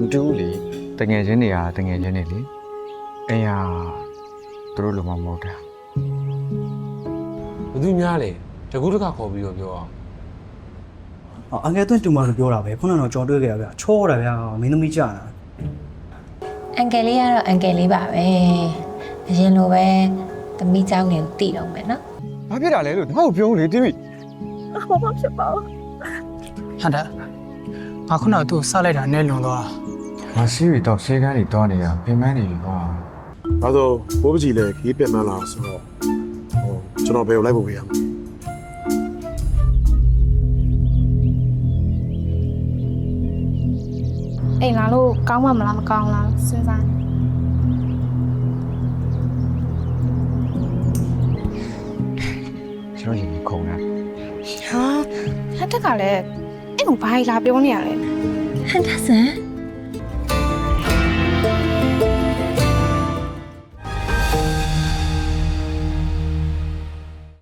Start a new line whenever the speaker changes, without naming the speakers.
တူးလေတငယ်ချင်းတွေကတငယ်ချင်းတွေလေအိမ်ဟာသူတို့လိုမှမဟုတ်တာ
ဘသူများလဲတကူးတကခေါ်ပြီးတော့ပြောအောင်
အငယ်သွင်းတူမလို့ပြောတာပဲခုနကတော့ကြော်တွေ့ခဲ့ရဗျချောတာဗျာမင်းသမီးကြာတာ
အန်ကယ်လေးကတော့အန်ကယ်လေးပါပဲအရင်လိုပဲသမီးเจ้าနေကိုတည်တော့မယ်နော်
ဘာဖြစ်တာလဲလို့ငါ့ကိုပြောလေတိမိ
ဟန်တာငါခုနကသူ့စလိုက်တာနဲ့လွန်သွား
ငါစီးရီတော့ဆေးကန်းတွေတောင်းနေတာပြင်ပန်းနေပြီကွာ
ဒါဆိုဘိုးပကြီးလည်းခီးပြတ်မှန်းလာဆိုတော့ကျွန်တော်ဘယ်ကိုလိုက်ဖို့ပြရမလဲ
အိမ်လာလို့ကောင်းမှမလားမကောင်းလားစဉ်းစား
ကျွန်တော်ရင်ခုန်တာ
ဟာဟန်တက်ကလည်းအဲ့ကိုဘာလာပြောနေရလဲ
ဟန်တာဆန်